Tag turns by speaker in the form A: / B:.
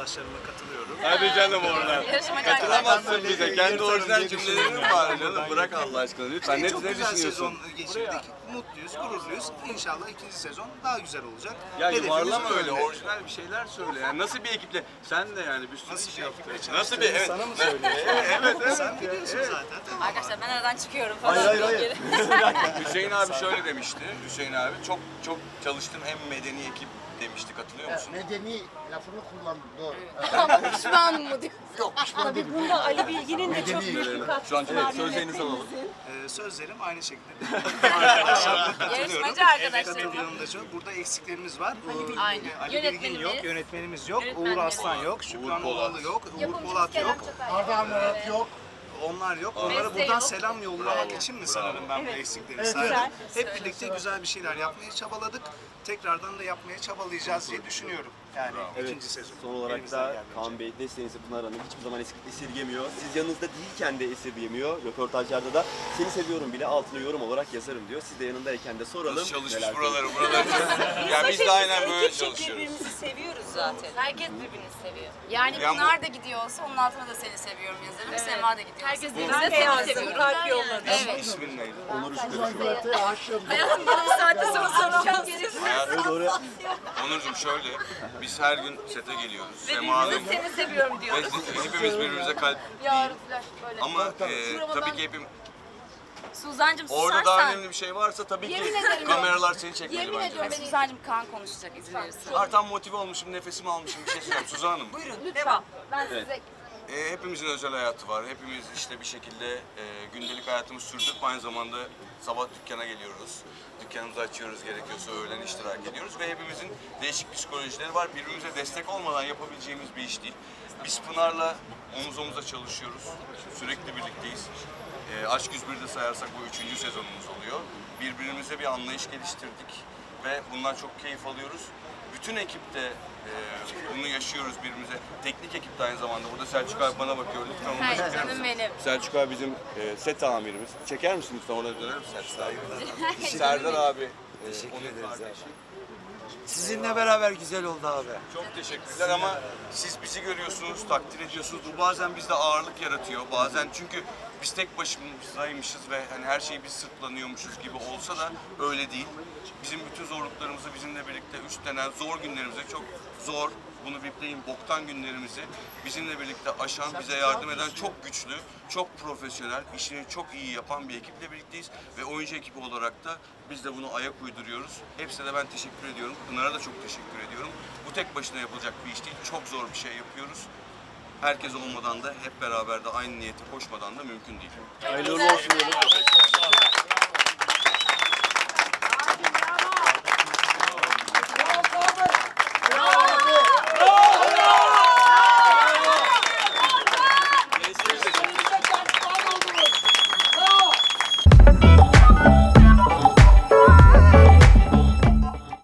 A: arkadaşlarıma katılıyorum.
B: Hadi canım oradan.
C: Yarışmacı
B: Katılamazsın bize. Kendi orijinal cümlelerin var canım. Bırak Allah aşkına lütfen.
A: Çok
B: Ne
A: güzel
B: düşünüyorsun?
A: sezon geçirdik. Mutluyuz, gururluyuz. İnşallah ikinci sezon daha güzel olacak.
B: Ya
A: Hedefimiz
B: yuvarlama
A: bu
B: öyle.
A: yönde.
B: Orijinal bir şeyler söyle. Yani nasıl bir ekiple? Sen de yani bir sürü
A: Nasıl
B: şey
A: bir
B: yaptın.
A: ekiple
B: Nasıl bir evet.
A: Sana mı söylüyorsun?
B: Evet.
A: Sen biliyorsun zaten. Tamam.
C: Arkadaşlar ben aradan çıkıyorum falan.
D: Hayır.
B: Hüseyin abi şöyle demişti. Hüseyin abi çok çalıştım hem medeni ekip demişti. Katılıyor musun?
D: Medeni lafını kullandım, doğru.
C: Ama pişman mı diyor.
D: Yok, pişman değilim.
E: Bunda Ali Bilgin'in de çok büyük bir katkısı
B: Şu an
E: var.
B: sözlerinizi alalım.
A: Sözlerim aynı şekilde. Arkadaşlarla katılıyorum.
C: Yarışmacı arkadaşlarım.
A: Katılıyorum da çok. Burada eksiklerimiz var.
C: Aynen.
A: Ali Bilgin
C: Yönetmenimiz.
A: yok, yönetmenimiz yok, Uğur
C: Yönetmenlerimiz.
A: Aslan yok, Şükran
B: Polat.
A: Oğlu yok, Uğur
C: Yapımcımız
A: Polat
C: Kerem
A: yok.
C: Çatay.
D: Arda Murat yok.
A: Onlar yok. Onlara
C: Beste
A: buradan
C: yok.
A: selam yollamak için mi sanırım ben bu eksikleri saydım. Hep birlikte güzel bir şeyler yapmaya çabaladık. Tekrardan da yapmaya çabalayacağız diye düşünüyorum. Yani ikinci sezon.
F: Son olarak
A: Elimizden
F: da
A: geldiğince.
F: Kaan Bey desteğinizi Pınar Hanım hiçbir zaman esirgemiyor. Siz yanınızda değilken de esirgemiyor. Röportajlarda da seni seviyorum bile altına yorum olarak yazarım diyor. Siz de yanındayken de soralım.
B: Nasıl çalışmış
F: neler
B: buraları. Ya biz de aynen böyle çalışıyoruz.
E: Birbirimizi seviyoruz zaten.
C: Herkes birbirini seviyor. Yani
B: Yani
C: Pınar da gidiyorsa onun altına da seni seviyorum yazarım. Sema da gidiyorsa. Herkes
E: Ben
C: birbirine
E: de
C: seni
E: yazdım,
C: seviyorum.
E: kalp yolladım.
C: Evet.
B: İsmin neydi?
F: Onur Üçgür.
D: Murat'a aşığım.
C: Bu saatte sonra soracağım.
B: Onurcuğum şöyle, biz her gün sete geliyoruz.
C: Ve
B: Sema'nın
C: birbirimize seni seviyorum
B: ve
C: diyoruz.
B: hepimiz birbirimize kalp
C: Yarın flash böyle.
B: ama
C: Şurama
B: tabii
C: ben-
B: ki hepim
C: Suzancığım
B: orada daha
C: susarsan.
B: önemli bir şey varsa tabii ki
C: Yemin ederim
B: kameralar seni çekmeli
C: Yemin
B: bence.
C: ediyorum Suzancığım Kaan konuşacak izin verirsen.
B: Artan motive olmuşum, nefesimi almışım bir şey söyleyeyim Suzan Hanım.
C: Lütfen. Ben size
B: Hepimizin özel hayatı var. Hepimiz işte bir şekilde gündelik hayatımızı sürdürüp aynı zamanda sabah dükkana geliyoruz. Dükkanımızı açıyoruz, gerekiyorsa öğlen iştirak ediyoruz ve hepimizin değişik psikolojileri var. Birbirimize destek olmadan yapabileceğimiz bir iş değil. Biz Pınar'la omuz omuza çalışıyoruz. Sürekli birlikteyiz. Aşk 101'de sayarsak bu 3. sezonumuz oluyor. Birbirimize bir anlayış geliştirdik ve bundan çok keyif alıyoruz. Bütün ekipte bunu yaşıyoruz birbirimize. Teknik ekip de aynı zamanda. Burada Selçuk abi bana bakıyor. Lütfen onu da
C: her
B: çeker
C: canım
B: misin?
C: benim.
B: Selçuk abi bizim set amirimiz. Çeker misin lütfen orada döner misin Selçuk abi? Serdar abi. Teşekkür ederiz abi.
G: Sizinle beraber güzel oldu abi.
B: Çok teşekkürler ama siz bizi görüyorsunuz, takdir ediyorsunuz. Bu bazen bizde ağırlık yaratıyor. Bazen çünkü biz tek başımızdaymışız ve hani her şeyi biz sırtlanıyormuşuz gibi olsa da öyle değil. Bizim bütün zorluklarımızı bizimle birlikte üstlenen zor günlerimize çok zor, bunu bipleyin boktan günlerimizi bizimle birlikte aşan, bize yardım eden çok güçlü, çok profesyonel, işini çok iyi yapan bir ekiple birlikteyiz. Ve oyuncu ekibi olarak da biz de bunu ayak uyduruyoruz. Hepsine de ben teşekkür ediyorum. Pınar'a da çok teşekkür ediyorum. Bu tek başına yapılacak bir iş değil, çok zor bir şey yapıyoruz. Herkes olmadan da hep beraber de aynı niyete koşmadan da mümkün değil.
F: Hayırlı uğurlu olsun diyelim.